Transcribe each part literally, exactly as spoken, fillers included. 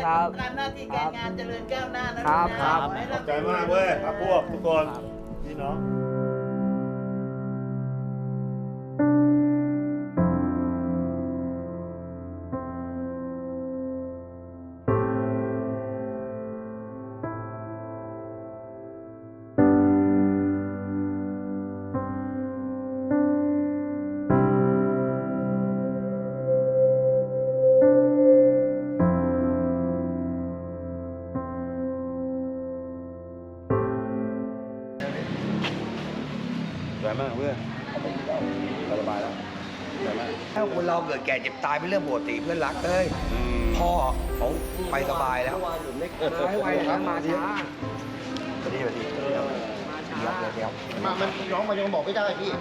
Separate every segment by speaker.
Speaker 1: ครับ
Speaker 2: การหน้าที่การงานเจริญก้าวหน้านะครับ
Speaker 1: ครับ
Speaker 2: ขอให้
Speaker 3: ข
Speaker 2: ร่ำ
Speaker 3: อบใจมากเว้ยครับพวกทุกคนพี่น้อง สวยมากเพื่อนสบายแล้วสวยมาก
Speaker 4: ถ้าคนเราเกิดแก่เจ็บตายเป็นเรื่องปกติเพื่อนรักเอ้ยพ่อเขาไปสบายแล้ว
Speaker 1: มาให้ไวนะมาช้า
Speaker 4: สวัสดีสวัสดี
Speaker 1: มาช้า
Speaker 4: เดี๋ยวเดี๋ยวเดี๋ยว
Speaker 5: มามันน้องมันยังบอกไม่ได้พี่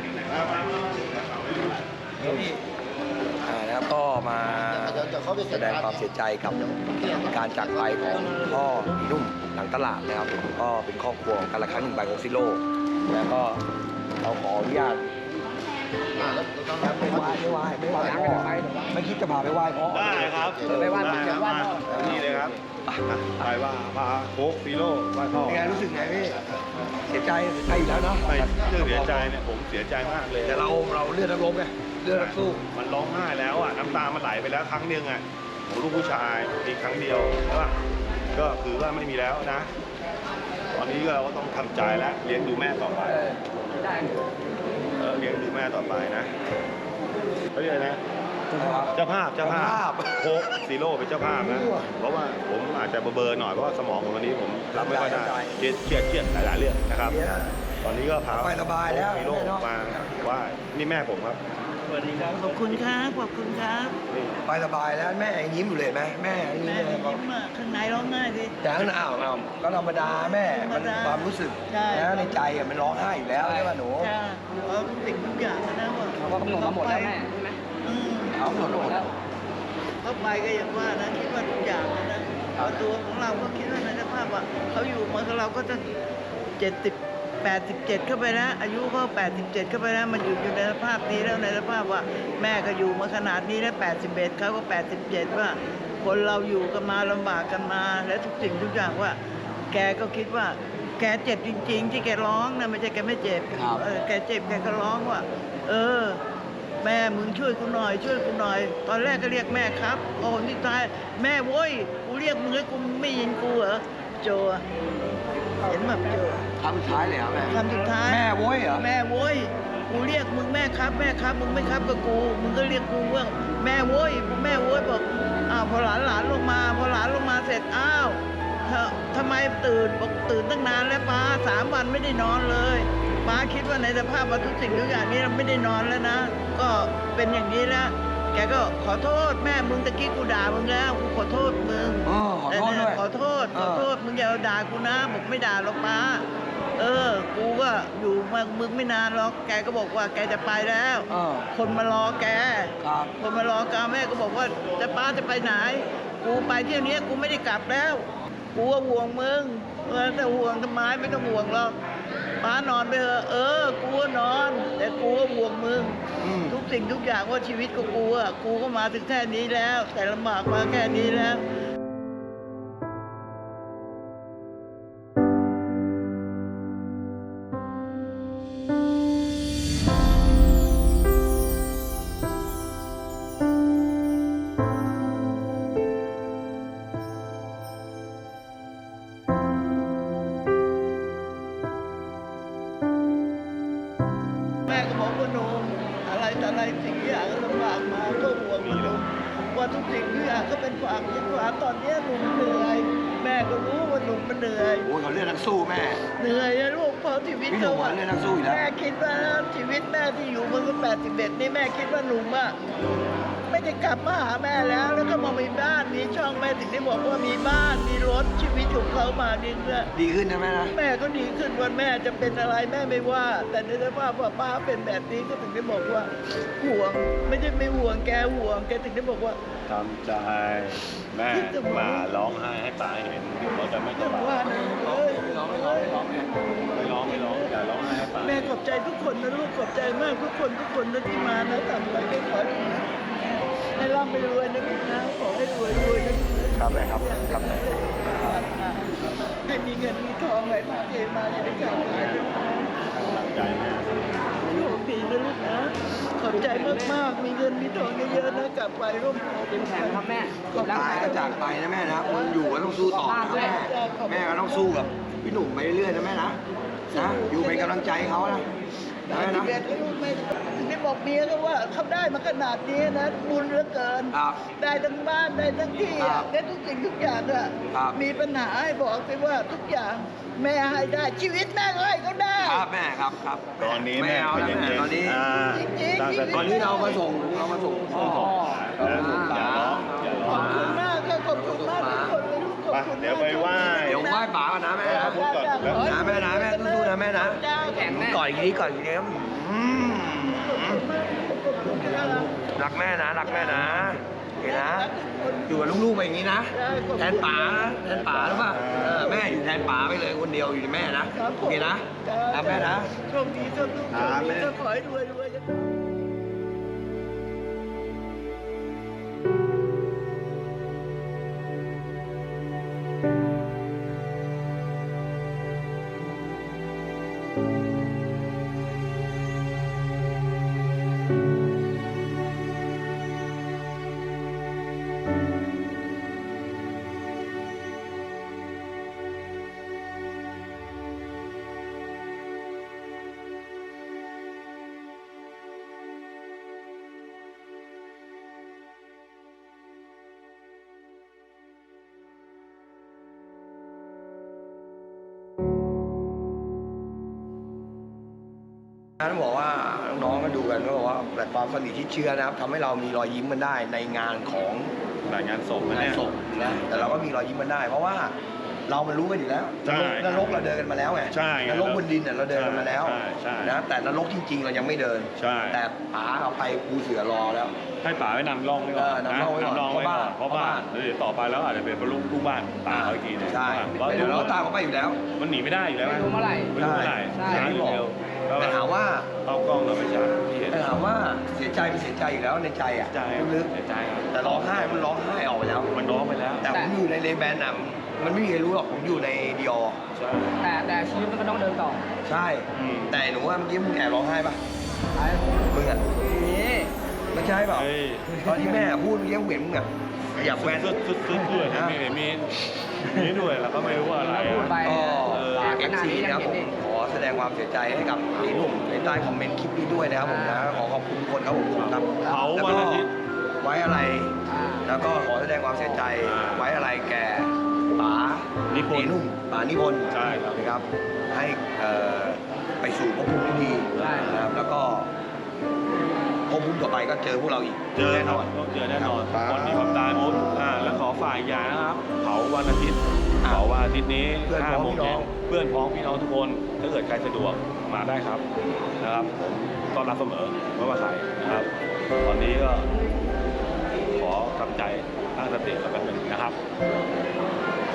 Speaker 4: นี่อ่านะครับก็มา
Speaker 5: เดี๋ยวเดี๋ยวเขาไป
Speaker 4: แสดงความเสียใจกับการจากไปของพ่ออีนุ่มหลังตลาดนะครับก็เป็นครอบครัวของกันละครั้งหนึ่งใบของซิโร่แล้วก็เราขออนุญาต
Speaker 5: อ่าแล้วเรา
Speaker 4: ครับไม่ไหว้ไม่ไหว้ไม่ไหว้พ่อไม่คิดจะพาไปไหว้พ่อ
Speaker 3: ได้ครับ
Speaker 1: ไปไหว้พ่อ
Speaker 3: ได้
Speaker 1: ไปไหว้พ่อ
Speaker 3: นี่เลยครับไปว่าพาโค้กซีโร่ไหว้พ่อ
Speaker 4: เป็นไงรู้สึกไงพี่เสียใจเสียใจอีกแล้วเนาะ
Speaker 3: ไม่เรื่องเสียใจเนี่ยผมเสียใจมากเลย
Speaker 4: แต่เราเราเลือดนักรบไงเลือดนักสู้
Speaker 3: มันร้องไห้แล้วอ่ะน้ำตามันไหลไปแล้วครั้งหนึ่งอ่ะผมลูกผู้ชายมีครั้งเดียวใช่ป่ะก็คือว่าไม่มีแล้วนะ ตอนนี้ก็เราก็ต้องทำใจแล้วเลี้ยงดูแม่ต่อไป
Speaker 1: ได้
Speaker 3: เออเลี้ยงดูแม่ต่อไปนะเขาเรียกอะไรนะ เจ้าภาพเจ้าภาพโค้กซีโร่เป็นเจ้าภาพนะ เพราะว่าผมอาจจะเบอร์ๆหน่อยเพราะว่าสมองผมตอนนี้ผมรับไม่ค่อยได้เครียดเครียดเครียดหลายๆเรื่องนะครับ ตอนนี้ก็พา
Speaker 4: สบายๆแล้ว
Speaker 3: ซีโร่มาไหว่านี่แม่ผมครับสวัสดีครับ
Speaker 2: ขอบคุณครับขอบคุณครับ
Speaker 4: ไปสบายแล้วแม่ยังยิ้มอยู่เลยไหมแม่ยังยิ้ม
Speaker 2: แม่
Speaker 4: เลย
Speaker 2: ยิ้มอ่ะข้างในร้องไห้ดิ
Speaker 4: แต่ข้างหน้าอ้าวอ้าวก็ธรรมดาแม่มันความรู้สึก
Speaker 2: ใช่
Speaker 4: นะในใจอะมันร้องไห้อยู่แล้วใช่ป่ะหนู
Speaker 2: ใช่เพราะทุกสิ่งทุกอย่างนะว่า
Speaker 1: เราก็กำหนดมาหมดแล้วแม่ใช่ไหม
Speaker 2: อืม
Speaker 4: เอาหมดหมด
Speaker 1: แล้ว
Speaker 2: เขาไปก็อย่างว่านะคิดว่าทุกอย่างนะนะเอาตัวของเราก็คิดว่าในสภาพว่าเขาอยู่มากับเราก็จะเจ็ดสิบแปดสิบเจ็ดเข้าไปแล้วอายุเขาแปดสิบเจ็ดเข้าไปแล้วมันอยู่อยู่ในสภาพนี้แล้วในสภาพว่าแม่ก็อยู่มาขนาดนี้แล้วแปดสิบเอ็ดเขาก็แปดสิบเจ็ดว่าคนเราอยู่กันมาลำบากกันมาและทุกสิ่งทุกอย่างว่า แกก็คิดว่า แกเจ็บจริง ๆ ที่แกร้องนะไม่ใช่แกไม่เจ็บเออแกเจ็บแกก็ร้องว่า เออ แม่มึงช่วยกูหน่อยช่วยกูหน่อย ตอนแรกก็เรียกแม่ครับโอ้ที่ตายแม่โว้ยกูเรียกมึงแล้วกูไม่ยินกูเหรอโจอะเห็นแบบโจ
Speaker 4: คำสุดท้ายเลยเหรอแม่
Speaker 2: คำสุดท้าย
Speaker 4: แม่โว้ยเหรอ
Speaker 2: แม่โว้ยกูเรียกมึงแม่ครับแม่ครับมึงไม่ครับกับกูมึงก็เรียกกูว่าแม่โว้ยแม่โว้ยบอกอ้าวพอหลานหลานลงมาพอหลานลงมาเสร็จอ้าวเธอทำไมตื่นบอกตื่นตั้งนานแล้วป้าสามวันไม่ได้นอนเลยป้าคิดว่าในสภาพว่าทุกสิ่งทุกอย่างนี้เราไม่ได้นอนแล้วนะ ก็เป็นอย่างนี้แล้วแกก็ขอโทษแม่มึงตะกี้กูด่ามึงแล้วกูขอโทษมึง
Speaker 4: อ๋อขอโทษด้วย
Speaker 2: ขอโทษขอโทษมึงอย่าด่ากูนะบอกไม่ด่าหรอกป้าเออ กูก็อยู่มามึงไม่นานหรอกแกก็บอกว่าแกจะไปแล้ว
Speaker 4: เออ
Speaker 2: คนมารอแก
Speaker 4: ครับ
Speaker 2: คนมารอแกแม่ก็บอกว่าจะป้าจะไปไหน กูไปเที่ยวนี้กูไม่ได้กลับแล้ว กูก็ห่วงมึงเออแต่ห่วงทำไมไม่ต้องห่วงหรอกป้านอนไปเถอะเออ กูก็นอน แต่กูก็ห่วงมึง
Speaker 4: อืม
Speaker 2: ทุกสิ่งทุกอย่างว่าชีวิตของกูอ่ะกูก็มาถึงแค่นี้แล้ว แต่ลำบากมาแค่นี้แล้ว แม่ก็บอกว่าหนูอะไรแต่อะไรสิ่งที่อย่างก็ลำบากมาก็ห่วงหนูว่าทุกสิ่งทุกอย่างก็เป็นความคิดว่าตอนเนี้ยหนูเหนื่อย แม่ก็รู้ว่าหนูมันเหนื่อย
Speaker 4: โอ้ยเขาเลือดนักสู้แม่
Speaker 2: เหนื่อยนะลูกเพราะชีวิต
Speaker 4: พี่หนุ่
Speaker 2: เขา
Speaker 4: ม
Speaker 2: อะ
Speaker 4: เลือดนักสู้อยู่แล้ว
Speaker 2: แม่คิดว่าชีวิตแม่ที่อยู่มาก็แปดสิบเอ็ดนี่แม่คิดว่าหนุ่มอะไม่ได้กลับมาหาแม่แล้ว แล้วก็มามีบ้านมีช่องแม่ถึงได้บอกว่ามีบ้านมีรถชีวิตของเขามาดีเพื่อ
Speaker 4: ดีขึ้นนะแม่นะ
Speaker 2: แม่ก็ดีขึ้นวันแม่จะเป็นอะไรแม่ไม่ว่า แต่ในสภาพว่าป้าเป็นแบบนี้ก็ถึงได้บอกว่าห่วง ไม่ใช่ไม่ห่วงแกห่วงแกถึงได้บอกว่า
Speaker 3: ทำใจแม่มาร้องไห้ให้ตาเห็นเดี๋ยวเราจะไม่ส
Speaker 2: เรื่อง
Speaker 3: บาย
Speaker 2: ว่านะเอ้ย
Speaker 3: ไม่ร้องไม่ร้องไม่ร้องไม่ร้องไม่ร้องอย่าร้องไห้ให้ตา
Speaker 2: แม่ขอบใจทุกคนนะลูกขอบใจมากทุกคนทุกคนนะที่มานะทำไปก็ขอให้ร่ำไปรวยนะลูกนะขอให้รวยรวยนะครับ
Speaker 4: แม่ครับครับแม่
Speaker 2: ให้มีเงินมีทองไหลมาเทมาอย่าได้ขาดหายเลย
Speaker 3: ใจแม่
Speaker 2: โชคดีนะลูกนะขอบใจมากๆมีเงินมีทองเยอะๆนะกลับไปร่วมโพ
Speaker 1: เข้มแข็งนะครับแม่
Speaker 4: ก็ตายก็จากไปนะแม่นะคนอยู่ก็ต้องสู้ต่อนะแม่แม่ก็ต้องสู้กับพี่หนุ่มไปเรื่อยๆนะแม่นะนะอยู่เป็นกำลังใจให้เขานะนะแม่นะ
Speaker 2: เบ็ดลูกไม่ถึงได้บอกเมียก็ว่าเขาได้มาขนาดนี้นะบุญเหลือเกิน
Speaker 4: ครับ
Speaker 2: ได้ทั้งบ้านได้ทั้งที่
Speaker 4: ครั
Speaker 2: อ่ะ
Speaker 4: บ
Speaker 2: ได้ทุกสิ่งทุกอย่างอ่ะ
Speaker 4: ครับ
Speaker 2: มีปัญหาให้บอกไปว่าทุกอย่างแม่ให้ได้ชีวิตแม่ก็ให้เขาได้
Speaker 4: ครับแม่ครับครับ
Speaker 3: ตอนนี้แม่
Speaker 4: ไม่เอาแล้ว
Speaker 3: ใจ
Speaker 4: แม่
Speaker 3: เย็น
Speaker 4: ตอนนี้
Speaker 3: ๆอ่าตั้งสติ
Speaker 4: ตอนนี้เรามาส่งเรามาส่งพ่อ
Speaker 3: นะอย่าร้องอย่า
Speaker 2: ข
Speaker 3: ร้อ
Speaker 2: อง บคุณมากค่ะขอบคุณมากทุกคนเลยลูกขอบคุณ
Speaker 3: ไปเดี๋ยวไปไหว้
Speaker 4: เดี๋ยวไหว้ป๋าก่อนนะแม่
Speaker 3: ขอบคุณก่อนแล้ว
Speaker 4: นะแม่นะแม่สู้ๆนะแม่นะ
Speaker 2: จ้า
Speaker 1: แข็งแม่
Speaker 4: ก่อนอีกทีก่อนอีกทีอืมรักแม่นะรักแม่นะโอเคนะอยู่กับลูกๆไปอย่างนี้นะแทนป๋านะแทนป๋าหรือเปล่าเออแม่อยู่แทนป๋าไปเลยคนเดียวอยู่ที่แม่นะโอเคนะรักแม่นะ
Speaker 2: โชคดีโชคดีโชคดีก็ขอให้รวยรวยกัน
Speaker 4: ต้องบอกว่าน้องๆก็ดูกันก็บอกว่าแพลตฟอร์มสนิทที่เชื่อนะครับทำให้เรามีรอยยิ้มกันได้ในงานของ
Speaker 3: รายงานศพนะ
Speaker 4: งาน
Speaker 3: เนี่ย
Speaker 4: ศพนะแต่เราก็มีรอยยิ้มกันได้ เพราะว่าเรามันรู้กันอยู่แล้ว
Speaker 3: ใช่
Speaker 4: นรกเราเดินกันมาแล้วไง
Speaker 3: ใช่ไง
Speaker 4: นรกบนดินเนี่ยเราเดินกันมาแล้ว
Speaker 3: ใช่ใช่
Speaker 4: นะแต่นรกจริง ๆ เรายังไม่เดิน
Speaker 3: ใช่
Speaker 4: แต่ป๋าเอาไปปูเสือรอแล้ว
Speaker 3: ให้ป๋าไว้นำร่องไว้ก่อน
Speaker 4: เออนำร่องไว้ก่อน
Speaker 3: นำร่องไว้ก่อนเพ
Speaker 4: เพราะ
Speaker 3: ราะ
Speaker 4: บ้า
Speaker 3: บ้าน นแล้วเดี๋ยวต่อไปแล้วอาจจะเป็นลูกลูกบ้านตามเขาอีกทีหนึง
Speaker 4: ใช่
Speaker 3: ว่า
Speaker 4: เดี๋ยวเราตามเขาไปอยู่แล้ว
Speaker 3: มันหนีไม่ได้อยู่แล้ว
Speaker 1: ไม่รู้เมื่อไหร่
Speaker 3: ไม่รู้เมื่อไหร่
Speaker 1: ใช่
Speaker 3: ช้าหรือเร็ว
Speaker 4: แต่ถามว่า
Speaker 3: เข้ากล้องเราไม่ช้าที่เห็น
Speaker 4: แต่ถามว่าเสียใจเป็นเสียใจอยู่แล้วในใจอ่ะ
Speaker 3: ใจ
Speaker 4: ลึก
Speaker 3: เสียใจครับ
Speaker 4: ๆแต่ร้องไห้มันร้องไห้ออกไปแล้ว
Speaker 3: มันร้องไปแล้ว
Speaker 4: แต่ผมอยู่ในเลแบนน่ะมันไม่มีใครรู้หรอกผมอยู่ในดีอ
Speaker 3: ใช่
Speaker 1: แต่แต่ชีวิตมันก็ต้องเดินต่อ
Speaker 4: ใช่
Speaker 3: อืม
Speaker 4: แต่หนูว่าเมื่อกี้มึงแอบร้องไห้ปะ
Speaker 1: ไอ้
Speaker 4: มึงอ่ะ
Speaker 1: นี่
Speaker 4: ไม่ใช่เปล่า
Speaker 3: เฮ้ย
Speaker 4: ตอนที่แม่พูดเมื่อกี้มึงเห็นมึงอ่ะขยับแว่น
Speaker 3: สุดสุดสุดด้วย
Speaker 4: นะ
Speaker 3: มีมีมีด้วยแล้วก็ไม่รู้ว่าอะไร
Speaker 1: พูด
Speaker 3: อะ
Speaker 1: ไป
Speaker 4: ก็
Speaker 3: เออ
Speaker 4: ฝาก
Speaker 1: ข
Speaker 4: เอฟ
Speaker 1: นาด
Speaker 4: ซี
Speaker 1: นี้ยั
Speaker 4: นะ
Speaker 1: ง
Speaker 4: ครับ
Speaker 1: เห็น
Speaker 4: ผม
Speaker 1: ดิ
Speaker 4: ขอแสดงความเสียใจให้กับพี่หนุ่มในใต้คอมเมนต์คลิปนี้ด้วยนะครับผมนะขอขอบคุณทุกคนครับผมครับ
Speaker 3: เผา
Speaker 4: แล้ว
Speaker 3: วัน
Speaker 4: ก็
Speaker 3: อาทิตย์
Speaker 4: ไว้อะไร
Speaker 1: อ่า
Speaker 4: แล้วก็ขอแสดงความเสียใจ
Speaker 3: อ่า
Speaker 4: ไว้อะไรแก่ป๋า
Speaker 3: นิพนธ์
Speaker 4: นุ่มป๋านิพนธ์
Speaker 3: ใช่ครับ
Speaker 4: นะครับ ให้เอ่อไปสู่ภพภูมิที่ดี
Speaker 1: ใช่
Speaker 4: นะครับแล้วก็ภพภูมิต่อไปก็เจอพวกเราอีก
Speaker 3: เจอ
Speaker 4: แน่
Speaker 3: แน่
Speaker 4: น
Speaker 3: น
Speaker 4: อ
Speaker 3: อน
Speaker 4: น
Speaker 3: ต้องเจอแน่นอน
Speaker 4: ครับ
Speaker 3: คนที่ความตายหมดอ่าแล้วขอฝ่ายอย่างนะครับเผาวันอาทิตย์เผาวันอาทิตย์นี้
Speaker 4: เพื่อนพ้
Speaker 3: ห้า
Speaker 4: อง
Speaker 3: โมง
Speaker 4: พี่น้
Speaker 3: เย็
Speaker 4: อน ง
Speaker 3: เพื่อนพ้องพี่น้องทุกคนถ้าเกิดใครสะดวกมาได้ครับนะครับผมต้อนรับเสมอไม่ว่าใครนะครับ ตอนนี้ก็ขอทำใจตั้งสติแล้วกันหนึ่งนะครับ